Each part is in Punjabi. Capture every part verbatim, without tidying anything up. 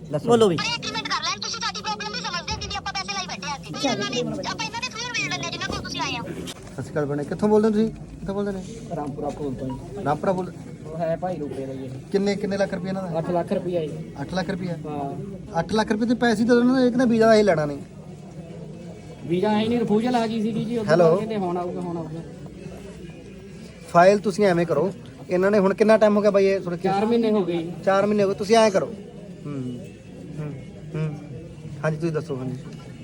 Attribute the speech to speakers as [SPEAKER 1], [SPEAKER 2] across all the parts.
[SPEAKER 1] ਬੋਲੋ ਵੀ
[SPEAKER 2] ਐਗਰੀਮੈਂਟ ਕਰ ਲੈਣ ਤੁਸੀਂ ਸਾਡੀ ਪ੍ਰੋਬਲਮ ਵੀ ਸਮਝਦੇ ਹੋ ਕਿ ਆਪਾਂ ਪੈਸੇ ਲਾਈ ਬੈਠੇ ਆ ਕਿ ਆਪਾਂ ਇਹਨਾਂ ਦੇ ਥਰੂ ਵੇੜ ਲੈਣੇ ਜਿੰਨਾ ਕੋਲ ਤੁਸੀਂ ਆਏ ਆ।
[SPEAKER 3] ਸਤਿ ਸ਼੍ਰੀ ਅਕਾਲ ਬਣੇ, ਕਿੱਥੋਂ ਬੋਲਦੇ ਹੋ ਤੁਸੀਂ? ਕਿੱਥੋਂ ਬੋਲਦੇ ਨੇ?
[SPEAKER 4] ਰਾਮਪੁਰਾ ਕੋਲ ਤੋਂ ਜੀ।
[SPEAKER 3] ਰਾਮਪੁਰਾ ਬੋਲ।
[SPEAKER 4] ਹੈ ਭਾਈ ਰੁਪਏ ਦਾ ਜੀ।
[SPEAKER 3] ਕਿੰਨੇ ਕਿੰਨੇ ਲੱਖ ਰੁਪਏ ਇਹਨਾਂ ਦਾ?
[SPEAKER 4] ਅੱਠ ਲੱਖ ਰੁਪਇਆ ਜੀ।
[SPEAKER 3] ਅੱਠ ਲੱਖ ਰੁਪਏ?
[SPEAKER 4] ਹਾਂ
[SPEAKER 3] ਅੱਠ ਲੱਖ ਰੁਪਏ ਤੇ ਪੈਸੇ ਤਾਂ ਉਹਨਾਂ ਨੇ ਇੱਕ ਨਾ ਵੀਜ਼ਾ ਇਹ ਲੈਣਾ ਨਹੀਂ।
[SPEAKER 4] ਵੀਜ਼ਾ ਹੈ ਨਹੀਂ, ਰਿਫਿਊਜ਼ਲ ਆ ਗਈ ਸੀਗੀ ਜੀ। ਉਹ
[SPEAKER 3] Hello?
[SPEAKER 4] ਕਹਿੰਦੇ ਹੁਣ ਆਊਗਾ ਹੁਣ ਆਊਗਾ।
[SPEAKER 3] ਫਾਈਲ ਤੁਸੀਂ ਐਵੇਂ ਕਰੋ, ਇਹਨਾਂ ਨੇ ਹੁਣ ਕਿੰਨਾ ਟਾਈਮ ਹੋ ਗਿਆ ਬਾਈ ਇਹ ਥੋੜਾ
[SPEAKER 4] ਚਾਰ ਮਹੀਨੇ ਹੋ ਗਏ ਜੀ।
[SPEAKER 3] ਚਾਰ ਮਹੀਨੇ ਹੋ ਗਏ, ਤੁਸੀਂ ਐਂ ਕਰੋ। ਹੂੰ ਹੂੰ ਹੂੰ ਹਾਂਜੀ ਤੁਸੀਂ ਦੱਸੋ। ਹਾਂਜੀ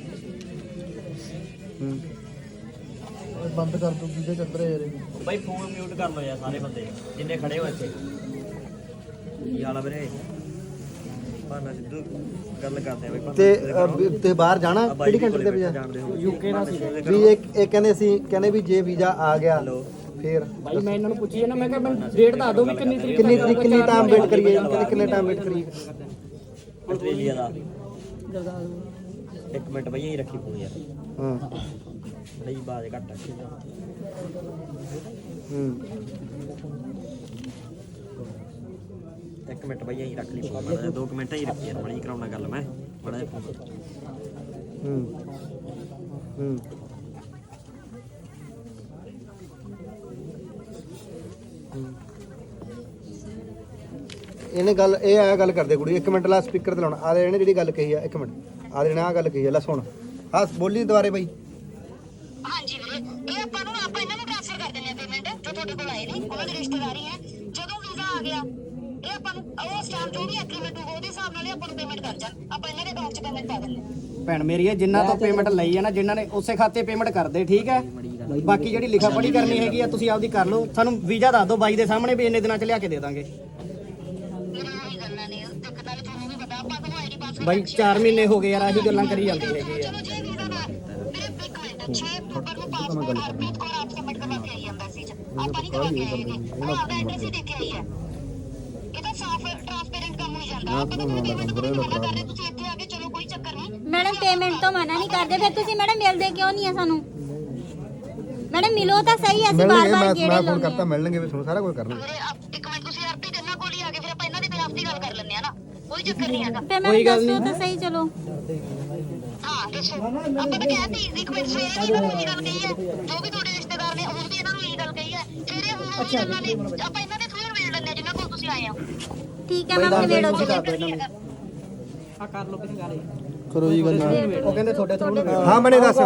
[SPEAKER 3] ਹੂੰ ਬੰਦ ਕਰ ਦੋ ਵੀਜ਼ਾ ਚੱਲ ਰਿਹਾ ਯਾਰ।
[SPEAKER 1] ਬਾਈ ਫੋਨ ਮਿਊਟ ਕਰ ਲਓ ਯਾਰ ਸਾਰੇ ਬੰਦੇ ਜਿੰਨੇ ਖੜੇ ਹੋ ਇੱਥੇ। ਕੀ ਹਾਲ ਆ ਵੀਰੇ? ਭਾਨਾ ਸਿੱਧੂ ਗੱਲ ਕਰਦੇ ਆ ਬਾਈ ਭਾਨਾ
[SPEAKER 3] ਤੇ ਅ, ਵੀ ਤੇ ਬਾਹਰ ਜਾਣਾ ਕਿਹੜੀ ਕੰਟਰੀ ਦੇ ਵੀਜ਼ਾ?
[SPEAKER 1] ਜਾਣਦੇ ਹੋ
[SPEAKER 4] ਯੂਕੇ ਦਾ ਸੀ
[SPEAKER 3] ਵੀ ਇਹ ਇਹ ਕਹਿੰਦੇ ਸੀ, ਕਹਿੰਦੇ ਵੀ ਜੇ ਵੀਜ਼ਾ ਆ ਗਿਆ ਫੇਰ
[SPEAKER 4] ਭਾਈ। ਮੈਂ ਇਹਨਾਂ ਨੂੰ ਪੁੱਛੀ ਨਾ, ਮੈਂ ਕਿਹਾ ਮੈਨੂੰ ਡੇਟ ਦੱਸ ਦਿਓ ਵੀ ਕਿੰਨੀ ਤਰੀਕ
[SPEAKER 3] ਕਿੰਨੀ ਤਰੀਕ ਕਿੰਨੀ ਟਾਈਮ ਵੇਟ ਕਰੀਏ? ਕਹਿੰਦੇ ਕਿੰਨੇ ਟਾਈਮ ਵੇਟ ਕਰੀਏ?
[SPEAKER 1] ਆਸਟ੍ਰੇਲੀਆ ਦਾ ਇੱਕ ਮਿੰਟ ਬਈ ਇਹੀ ਰੱਖੀ ਪਊ ਯਾਰ।
[SPEAKER 3] ਹਾਂ
[SPEAKER 1] ਬਈ ਬਾਜ ਘੱਟ ਆ।
[SPEAKER 3] ਹੂੰ
[SPEAKER 1] ਇੱਕ ਮਿੰਟ ਬਈ ਇਹੀ ਰੱਖ ਲਈ ਪਊ ਮਾੜਾ ਜਿਹਾ, ਦੋ ਕੁ ਮਿੰਟ ਹੀ ਰੱਖੀ ਯਾਰ ਬੜੀ ਕਰਾਉਣਾ ਗੱਲ ਮੈਂ ਬੜਾ ਜਿਹਾ ਫੋਨ।
[SPEAKER 3] ਹੂੰ ਹੂੰ ਇਹਨੇ ਗੱਲ ਇਹ ਆ ਗੱਲ ਕਰਦੇ ਕੁੜੀ। ਇੱਕ ਮਿੰਟ ਲਾ ਸਪੀਕਰ ਤੇ ਲਾਉਣਾ। ਆ ਇਹਨੇ ਜਿਹੜੀ ਗੱਲ ਕਹੀ ਆ, ਇੱਕ ਮਿੰਟ ਆ ਇਹਨੇ ਆ ਗੱਲ ਕਹੀ ਆ, ਲੈ ਸੁਣ। ਹਾਂ ਬੋਲੀ ਦੁਬਾਰੇ ਬਾਈ।
[SPEAKER 2] ਹਾਂਜੀ ਵੀਰੇ, ਇਹ ਆਪਾਂ ਨੂੰ ਆਪਾਂ ਇਹਨਾਂ ਨੂੰ ਟ੍ਰਾਂਸਫਰ ਕਰ ਦਿੰਦੇ ਆ ਪੇਮੈਂਟ ਜੋ ਤੁਹਾਡੇ ਕੋਲ ਆਏ ਨੇ, ਉਹਨਾਂ ਦੀ ਰਿਸ਼ਤੇਦਾਰੀ ਹੈ। ਜਦੋਂ ਵੀਜ਼ਾ ਆ ਗਿਆ ਇਹ ਆਪਾਂ ਨੂੰ ਉਹ ਸਟੈਂਪ ਜੋ ਵੀ ਐਗਰੀਮੈਂਟ ਹੋਊਗਾ ਉਹਦੇ ਹਿਸਾਬ ਨਾਲ ਆਪਾਂ ਨੂੰ ਪੇਮੈਂਟ ਕਰ ਜਾਣ। ਆਪਾਂ ਇਹਨਾਂ ਦੇ ਅਕਾਊਂਟ 'ਚ ਪੇਮੈਂਟ ਪਾ ਦਿੰਦੇ ਆ।
[SPEAKER 4] ਭੈਣ ਮੇਰੀ ਹੈ, ਜਿੰਨਾ ਤੋਂ ਪੇਮੈਂਟ ਲਈ ਹੈ ਨਾ, ਜਿਨ੍ਹਾਂ ਨੇ ਉਸੇ ਖਾਤੇ ਪੇਮੈਂਟ ਕਰਦੇ, ਠੀਕ ਹੈ। ਬਾਕੀ ਜਿਹੜੀ ਲਿਖਾ ਪੜ੍ਹੀ ਕਰਨੀ ਹੈਗੀ ਆ ਤੁਸੀਂ ਆਪਦੀ ਕਰ ਲਓ। ਸਾਨੂੰ ਵੀਜ਼ਾ ਦੱਸ ਦਿਓ ਬਾਈ ਦੇ ਸਾਹਮਣੇ ਵੀ ਇੰਨੇ ਦਿਨਾਂ 'ਚ ਲਿਆ ਕੇ ਦੇ ਦਾਂਗੇ।
[SPEAKER 2] ਇਹ ਗੱਲਾਂ ਨੇ ਇੱਕ ਗੱਲ ਤੁਹਾਨੂੰ ਵੀ ਪਤਾ, ਆਪਾਂ ਨੂੰ ਆਈਡੀ ਪਾਸਵਰਡ
[SPEAKER 4] ਬਾਈ ਚਾਰ ਮਹੀਨੇ ਹੋ ਗਏ ਯਾਰ, ਆਹੀ ਗੱਲਾਂ ਕਰੀ ਜਾਂਦੀ ਹੈਗੀ ਆ।
[SPEAKER 2] ਚਲੋ ਜੇ ਵੀਜ਼ਾ ਨਾ ਮੇਰੇ ਇੱਕ ਮਿੰਟ ਛੇ ਅਕਤੂਬਰ ਨੂੰ ਪਾਸਪੋਰਟ ਹਰਪ੍ਰੀਤ ਕੌਰ ਆਪ ਸਬਮਿਟ ਕਰਵਾ ਕੇ ਆਈ ਐਮਬੈਸੀ 'ਚ। ਆਪਾਂ ਨਹੀਂ ਕਰਵਾ ਕੇ ਆਏ ਹੈਗੇ, ਉਹ ਆਪਦਾ ਐਡਰੈਸ ਹੀ ਦੇ ਕੇ ਆਈ ਹੈ। ਇਹ ਤਾਂ ਸਾਫ਼ ਟ੍ਰਾਂਸਪੇਰੈਂਟ ਕੰਮ ਹੋ ਜਾਂਦਾ। ਆਪਾਂ ਤਾਂ ਤੁਹਾਨੂੰ ਪੇਮੈਂਟ ਤੋਂ ਮਨਾ ਕਰ ਰਹੇ, ਤੁਸੀਂ ਇੱਥੇ ਆ ਕੇ ਚਲੋ ਕੋਈ ਚੱਕਰ ਨਹੀਂ।
[SPEAKER 5] ਮੈਡਮ ਪੇਮੈਂਟ ਤੋਂ ਮਨਾ ਨਹੀਂ ਕਰਦੇ, ਫਿਰ ਤੁਸੀਂ ਮੈਡਮ ਮਿਲਦੇ ਕਿਉਂ ਨਹੀਂ ਆ ਸਾਨੂੰ? ਮੈਡਮ ਮਿਲੋ ਤਾਂ ਸਹੀ, ਅਸੀਂ
[SPEAKER 3] ਮਿਲਣਗੇ,
[SPEAKER 5] ਬਾਰ-ਬਾਰ
[SPEAKER 3] ਮੈਂ
[SPEAKER 5] ਗੇੜੇ
[SPEAKER 3] ਮੈਂ ਫੋਨ
[SPEAKER 5] ਲਾਉਂਦੇ
[SPEAKER 3] ਕਰਤਾ, ਮਿਲਣਗੇ ਵੀ ਤੁਹਾਨੂੰ ਸਾਰਾ ਕੁਝ ਕਰਨਾ।
[SPEAKER 2] ਵੀਰੇ ਆਪ ਇੱਕ ਮਿੰਟ ਤੁਸੀਂ ਹਰਪ੍ਰੀਤ ਇਹਨਾਂ ਕੋਲ ਹੀ ਆ ਕੇ ਫਿਰ ਆਪਾਂ ਇਹਨਾਂ ਦੇ ਖਿਲਾਫ ਦੀ ਗੱਲ ਕਰ ਲੈਂਦੇ ਆ ਨਾ, ਕੋਈ ਚੱਕਰ ਨਹੀਂ ਹੈਗਾ।
[SPEAKER 5] ਪੇਮੈਂਟ ਦੱਸੋ ਤਾਂ ਸਹੀ। ਚਲੋ
[SPEAKER 2] ਹਾਂ ਦੱਸੋ, ਆਪਾਂ ਤਾਂ ਕਹਿੰਦੇ ਇੱਕ ਮਿੰਟ ਸਵੇਰੇ ਵੀ ਇਹਨਾਂ ਨੂੰ ਇਹੀ ਗੱਲ ਕਹੀ ਹੈ, ਜੋ ਵੀ ਤੁਹਾਡੇ ਰਿਸ਼ਤੇਦਾਰ ਨੇ ਹੁਣ ਵੀ ਇਹਨਾਂ ਨੂੰ ਇਹੀ ਗੱਲ ਕਹੀ ਹੈ। ਫਿਰ ਹੁਣ ਉਹੀ ਗੱਲਾਂ ਨੇ, ਆਪਾਂ ਇਹਨਾਂ ਦੇ ਥਰੂ ਵੇੜ ਲੈਂਦੇ ਆ ਜਿੰਨਾ ਕੋਲ ਤੁਸੀਂ ਆਏ ਹੋ।
[SPEAKER 5] ਠੀਕ ਹੈ ਮੈਮ, ਨਵੇੜੋ ਜੀ।
[SPEAKER 4] ਆ ਕਰ ਲਓ ਕਿਸੇ ਗੱਲ।
[SPEAKER 3] ਕਰੋ ਜੀ ਗੱਲ।
[SPEAKER 4] ਉਹ ਕਹਿੰਦੇ ਤੁਹਾਡੇ ਥਰੂ
[SPEAKER 3] ਹਾਂ ਬਣੇ ਦੱਸ।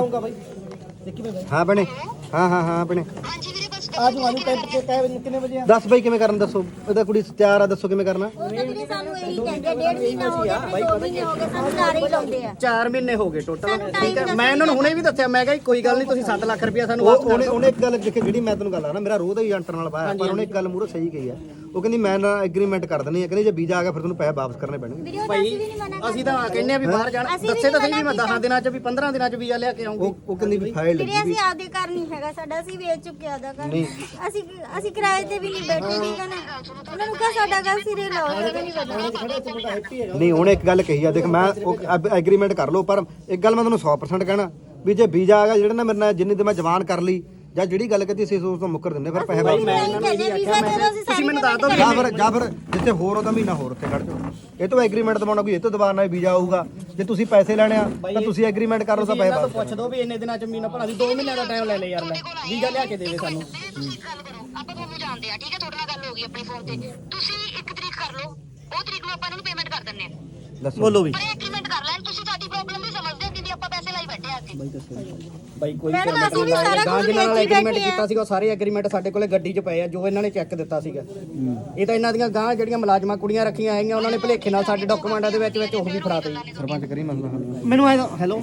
[SPEAKER 3] ਹਾਂ ਬਣੇ। ਹਾਂ ਹਾਂ ਹਾਂ ਬਣੇ।
[SPEAKER 2] ਹਾਂਜੀ ਵੀਰੇ ਬਸ
[SPEAKER 4] ਆਜੋ ਆਜੋ ਕਿੰਨੇ ਵਜੇ?
[SPEAKER 3] ਦੱਸ ਬਾਈ ਕਿਵੇਂ ਕਰਨ ਦੱਸੋ। ਇਹਦਾ ਕੁੜੀ ਤਿਆਰ ਆ, ਦੱਸੋ ਕਿਵੇਂ ਕਰਨਾ।
[SPEAKER 5] ਉਹ ਤਾਂ ਵੀਰੇ ਸਾਨੂੰ ਇਹੀ ਕਹਿੰਦੇ ਆ, ਡੇਢ ਮਹੀਨਾ ਹੋ ਗਿਆ, ਫਿਰ ਦੋ ਮਹੀਨੇ ਹੋ ਗਏ, ਸਾਨੂੰ ਸਾਰੇ ਹੀ ਲਾਉਂਦੇ ਆ।
[SPEAKER 4] ਚਾਰ ਮਹੀਨੇ ਹੋ ਗਏ ਟੋਟਲ, ਠੀਕ ਹੈ। ਮੈਂ ਇਹਨਾਂ ਨੂੰ ਹੁਣੇ ਵੀ ਦੱਸਿਆ, ਮੈਂ ਕਿਹਾ ਕੋਈ ਗੱਲ ਨਹੀਂ, ਤੁਸੀਂ ਸੱਤ ਲੱਖ ਰੁਪਇਆ ਸਾਨੂੰ ਵਾਪਸ
[SPEAKER 3] ਉਹ ਉਹਨੇ ਉਹਨੇ ਇੱਕ ਗੱਲ ਦੇਖੀ, ਜਿਹੜੀ ਮੈਂ ਤੈਨੂੰ ਗੱਲ ਆ ਨਾ, ਮੇਰਾ ਰੋਹ ਦਾ ਹੀ ਏਜੰਟ ਨਾਲ ਪਾਇਆ, ਪਰ ਉਹਨੇ ਇੱਕ ਗੱਲ ਮੂਹਰੇ ਸਹੀ ਕਹੀ ਆ। ਉਹ ਕਹਿੰਦੀ ਮੈਂ ਨਾ ਐਗਰੀਮੈਂਟ ਕਰ ਦਿੰਦੀ ਆ, ਕਹਿੰਦੀ ਜੇ ਵੀਜ਼ਾ ਆ ਗਿਆ ਫਿਰ ਤੁਹਾਨੂੰ ਪੈਸੇ ਵਾਪਸ ਕਰਨੇ ਪੈਣਗੇ।
[SPEAKER 5] ਵੀਰੇ ਉਹ ਤਾਂ ਅਸੀਂ ਵੀ ਨਹੀਂ ਮਨਾ
[SPEAKER 4] ਅਸੀਂ ਤਾਂ ਕਹਿੰਦੇ ਆ ਵੀ ਬਾਹਰ ਜਾਣਾ। ਦੱਸੇ ਤਾਂ ਸਹੀ ਵੀ ਮੈਂ ਦਸਾਂ ਦਿਨਾਂ 'ਚ ਵੀ ਪੰਦਰਾਂ ਦਿਨਾਂ 'ਚ ਵੀਜ਼ਾ ਲਿਆ ਕੇ ਆਉਂਗੀ।
[SPEAKER 3] ਉਹ ਉਹ ਕਹਿੰਦੀ ਵੀ ਫਾਈਲ
[SPEAKER 5] ਵੀਰੇ
[SPEAKER 3] ਲੱਗੀ
[SPEAKER 5] ਅਸੀਂ ਆਪਦੇ ਘਰ ਨਹੀਂ ਹੈਗਾ ਸਾਡਾ, ਅਸੀਂ ਵੇਚ ਚੁੱਕੇ ਆਦਾ ਘਰ। ਅਸੀਂ ਅਸੀਂ ਕਿਰਾਏ ਤੇ ਵੀ ਨਹੀਂ ਬੈਠੇ, ਠੀਕ ਹੈ ਨਾ। ਉਹਨਾਂ ਨੂੰ ਕਹ ਸਾਡਾ ਘਰ ਸਿਰੇ ਲਾਓ, ਸਾਨੂੰ ਨਹੀਂ ਪਤਾ।
[SPEAKER 3] ਨਹੀਂ ਉਹਨੇ ਇੱਕ ਗੱਲ ਕਹੀ ਆ, ਦੇਖ ਮੈਂ ਐਗਰੀਮੈਂਟ ਕਰ ਲਓ, ਪਰ ਇੱਕ ਗੱਲ ਮੈਂ ਤੁਹਾਨੂੰ ਸੌ ਪਰਸੈਂਟ ਕਹਿਣਾ ਵੀ ਜੇ ਵੀਜ਼ਾ ਆ ਗਿਆ ਜਿਹੜਾ ਨਾ ਮੇਰੇ ਨਾਲ ਜਿੰਨੀ ਤੇ ਮੈਂ ਜਵਾਨ ਕਰ ਲਈ ਜਾਂ ਜਿਹੜੀ ਗੱਲ ਕਹਤੀ ਸੀ ਉਸ ਤੋਂ ਮੁੱਕਰ ਦਿੰਦੇ, ਫਿਰ ਪੈਸੇ ਵਾਪਸ।
[SPEAKER 5] ਮੈਂ ਇਹਨਾਂ ਨੂੰ ਇਹੀ ਆਖਿਆ, ਮੈਂ
[SPEAKER 4] ਤੁਸੀਂ ਮੈਨੂੰ ਦੱਸ ਦਿਓ
[SPEAKER 3] ਜਾਂ ਫਿਰ ਜਾਂ ਫਿਰ ਜਿੱਥੇ ਹੋਰ ਉਹਦਾ ਮਹੀਨਾ ਹੋਰ ਉੱਥੇ ਕੱਢ ਦਿਓ। ਇਹ ਤੋਂ ਐਗਰੀਮੈਂਟ ਦਵਾਉਣਾ ਕੋਈ ਇਹ ਤੋਂ ਦਬਾਅ ਨਾਲ ਵੀਜ਼ਾ ਆਊਗਾ। ਜੇ ਤੁਸੀਂ ਪੈਸੇ ਲੈਣੇ ਆ ਤਾਂ ਤੁਸੀਂ ਐਗਰੀਮੈਂਟ ਕਰ ਲਓ ਤਾਂ ਪੈਸੇ ਵਾਪਸ।
[SPEAKER 4] ਪੁੱਛ ਦੋ ਵੀ ਇੰਨੇ ਦਿਨਾਂ 'ਚ ਮਹੀਨਾ ਭਲਾ ਦੀ ਦੋ ਮਹੀਨਿਆਂ ਦਾ ਟਾਈਮ ਲੈ ਲੈ ਯਾਰ, ਲੈ ਵੀਜ਼ਾ ਲਿਆ ਕੇ ਦੇਵੇ ਸਾਨੂੰ।
[SPEAKER 2] ਤੁਸੀਂ ਇੱਕ ਗੱਲ ਕਰੋ, ਆਪਾਂ ਤੁਹਾਨੂੰ ਜਾਣਦੇ ਆ, ਠੀਕ ਹੈ। ਤੁਹਾਡੇ ਨਾਲ ਗੱਲ ਹੋ ਗਈ ਆਪਣੀ ਫੋਨ ਤੇ, ਤੁਸੀਂ ਇੱਕ ਤਰੀਕ ਕਰ ਲਓ, ਉਹ ਤਰੀਕ ਨੂੰ ਆਪਾਂ ਇਹਨਾਂ ਨੂੰ ਪੇਮੈਂਟ ਕਰ ਦਿੰਦੇ ਆ।
[SPEAKER 3] ਦੱਸੋ
[SPEAKER 1] ਬੋਲੋ ਵੀ
[SPEAKER 2] ਪਰ ਐਗਰੀਮੈਂਟ ਕਰ ਲੈਣ, ਤੁਸੀਂ ਸਾਡੀ ਪ੍ਰੋਬਲਮ ਵੀ ਸਮਝਦੇ ਹੋ ਕਿ ਆਪਾਂ ਪੈਸੇ ਲਾਈ ਬੈਠੇ ਆ ਕੇ।
[SPEAKER 4] ਬਾਈ ਕੋਈ
[SPEAKER 5] ਮੈਡਮ,
[SPEAKER 4] ਪੇਮੈਂਟ
[SPEAKER 5] ਅਸੀਂ ਵੀ
[SPEAKER 4] ਨਹੀਂ
[SPEAKER 5] ਸਾਰਾ
[SPEAKER 4] ਲਾਇਆ,
[SPEAKER 5] ਕੁਝ
[SPEAKER 4] ਜਿਨ੍ਹਾਂ ਨਾਲ
[SPEAKER 5] ਵੇਚ ਹੀ
[SPEAKER 4] ਐਗਰੀਮੈਂਟ
[SPEAKER 5] ਬੈਠੇ ਆ।
[SPEAKER 4] ਕੀਤਾ ਸੀਗਾ ਉਹ ਸਾਰੇ ਐਗਰੀਮੈਂਟ ਸਾਡੇ ਕੋਲੇ ਗੱਡੀ 'ਚ ਪਏ ਆ, ਜੋ ਇਹਨਾਂ ਨੇ ਚੈੱਕ ਦਿੱਤਾ ਸੀਗਾ। ਇਹ ਤਾਂ ਇਹਨਾਂ ਦੀਆਂ ਗਾਂ ਜਿਹੜੀਆਂ ਮੁਲਾਜ਼ਮਾਂ ਕੁੜੀਆਂ ਰੱਖੀਆਂ ਹੈਗੀਆਂ, ਉਹਨਾਂ ਨੇ ਭੁਲੇਖੇ ਨਾਲ ਸਾਡੇ ਡਾਕੂਮੈਂਟਾਂ ਦੇ ਵਿੱਚ ਵਿੱਚ ਉਹ ਵੀ ਫੜਾ ਦਿੱਤੇ।
[SPEAKER 3] ਸਰਪੰਚ ਕਰੀ ਮਸਲਾ ਹੱਲ।
[SPEAKER 4] ਮੈਨੂੰ ਆਏ ਹੈਲੋ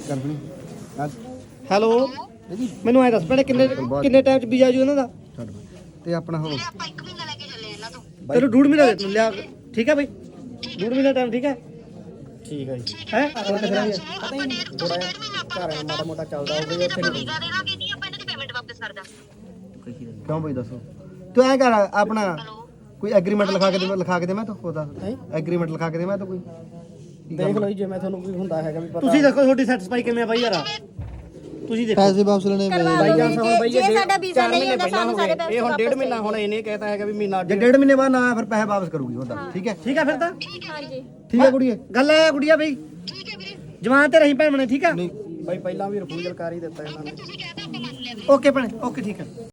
[SPEAKER 4] ਹੈਲੋ ਮੈਨੂੰ ਆਏ ਦੱਸ ਪਹਿਲੇ ਕਿੰਨੇ ਕਿੰਨੇ ਟਾਈਮ 'ਚ ਵੀਜ਼ਾ ਜੀ ਉਹਨਾਂ ਦਾ?
[SPEAKER 3] ਛੱਡ ਤੇ ਆਪਣਾ ਹੋ
[SPEAKER 2] ਆਪਾਂ ਇੱਕ ਮਹੀਨਾ ਲੈ ਕੇ ਚੱਲੇ ਇਹਨਾਂ ਤੋਂ।
[SPEAKER 4] ਤੈਨੂੰ ਡੂਢ ਮਹੀਨਾ ਦੇ ਲਿਆ, ਠੀਕ ਹੈ ਬਈ? ਡੂਢ ਮਹੀਨਾ ਟਾਈਮ, ਠੀਕ ਹੈ। ਠੀਕ ਹੈ ਜੀ। ਹੈ ਹੋਰ ਕਿਧਰ ਆ?
[SPEAKER 2] ਆਪਾਂ ਡੇਢ ਤੁਸੀਂ ਡੇਢ ਮਹੀਨਾ ਆਪਾਂ
[SPEAKER 4] ਘਰ ਮਾੜਾ ਮੋਟਾ ਚੱਲਦਾ ਹੋਵੇ ਉੱਥੇ
[SPEAKER 2] ਆਪਾਂ
[SPEAKER 4] ਨਹੀਂ।
[SPEAKER 2] ਵੀਜ਼ਾ ਦੇਣਾ ਕਿ ਆਪਾਂ ਇਹਨਾਂ ਦੀ ਪੇਮੈਂਟ ਵਾਪਸ ਕਰ ਦਾਂ।
[SPEAKER 3] ਕਿਉਂ ਬਈ ਦੱਸੋ। ਤੂੰ ਐਂ ਕਰ ਆਪਣਾ ਕੋਈ ਐਗਰੀਮੈਂਟ ਲਿਖਾ ਕੇ ਦੇ, ਲਿਖਾ ਕੇ ਦੇ ਮੈਂ ਤਾਂ ਉਹਦਾ ਐਗਰੀਮੈਂਟ ਲਿਖਾ ਕੇ ਦੇ ਮੈਂ ਤਾਂ ਕੋਈ।
[SPEAKER 4] ਦੇਖ ਲਓ ਜੀ, ਜੇ ਮੈਂ ਤੁਹਾਨੂੰ ਕੋਈ ਹੁੰਦਾ ਹੈਗਾ ਵੀ ਪਤਾ।
[SPEAKER 1] ਤੁਸੀਂ ਦੇਖੋ ਤੁਹਾਡੀ ਸੈਟੀਸਫਾਈ ਕਿਵੇਂ ਆ ਬਾਈ ਯਾਰ।
[SPEAKER 4] ਤੁਸੀਂ ਦੇਖੋ
[SPEAKER 6] ਪੈਸੇ ਵਾਪਸ ਲੈਣੇ ਪਏ
[SPEAKER 5] ਕਰਵਾ
[SPEAKER 4] ਬਾਈ
[SPEAKER 5] ਲਓ
[SPEAKER 4] ਜਾਂ
[SPEAKER 5] ਵੀਰ,
[SPEAKER 4] ਹੁਣ
[SPEAKER 5] ਜੇ-
[SPEAKER 4] ਬਈ
[SPEAKER 5] ਜੇ
[SPEAKER 4] ਜੇ
[SPEAKER 5] ਸਾਡਾ ਵੀਜ਼ਾ
[SPEAKER 4] ਚਾਰ
[SPEAKER 5] ਨਹੀਂ
[SPEAKER 4] ਮਹੀਨੇ
[SPEAKER 5] ਹੁੰਦਾ
[SPEAKER 4] ਪਹਿਲਾਂ
[SPEAKER 5] ਸਾਨੂੰ
[SPEAKER 4] ਹੋ
[SPEAKER 5] ਸਾਰੇ
[SPEAKER 4] ਗਏ
[SPEAKER 5] ਪੈਸੇ
[SPEAKER 4] ਇਹ ਹੁਣ ਡੇਢ
[SPEAKER 5] ਵਾਪਸ
[SPEAKER 4] ਮਹੀਨਾ ਹੁਣ ਇਹਨੇ ਕਹਿਤਾ ਹੈਗਾ ਵੀ ਮਹੀਨਾ
[SPEAKER 3] ਜੇ ਡੇਢ ਮਹੀਨੇ ਬਾਅਦ ਨਾ ਆਇਆ ਫਿਰ ਪੈਸੇ ਵਾਪਸ ਕਰੂਗੀ ਉਹਦਾ ਠੀਕ ਹੈ
[SPEAKER 4] ਠੀਕ ਆ ਫਿਰ ਤਾਂ
[SPEAKER 5] ਹਾਂਜੀ
[SPEAKER 3] ਠੀਕ ਹੈ ਕੁੜੀਏ
[SPEAKER 4] ਗੱਲ ਐ ਗੁੜੀਆ ਬਈ
[SPEAKER 2] ਠੀਕ ਹੈ ਵੀਰੇ
[SPEAKER 4] ਜਵਾਨ ਤੇ ਰਹੀ ਭੈਣ ਬਣੇ ਠੀਕ ਆ
[SPEAKER 3] ਨਹੀਂ
[SPEAKER 4] ਬਾਈ ਪਹਿਲਾਂ ਵੀ ਰਿਫਿਊਜ਼ਲ ਕਰ ਹੀ ਦਿੱਤਾ ਇਹਨਾਂ ਨੇ
[SPEAKER 2] ਤੁਸੀਂ ਕਹਿਤਾ ਆਪਾਂ ਮੰਨ ਲਿਆ ਵੀਰੇ
[SPEAKER 4] ਓਕੇ ਭੈਣੇ ਓਕੇ ਠੀਕ ਹੈ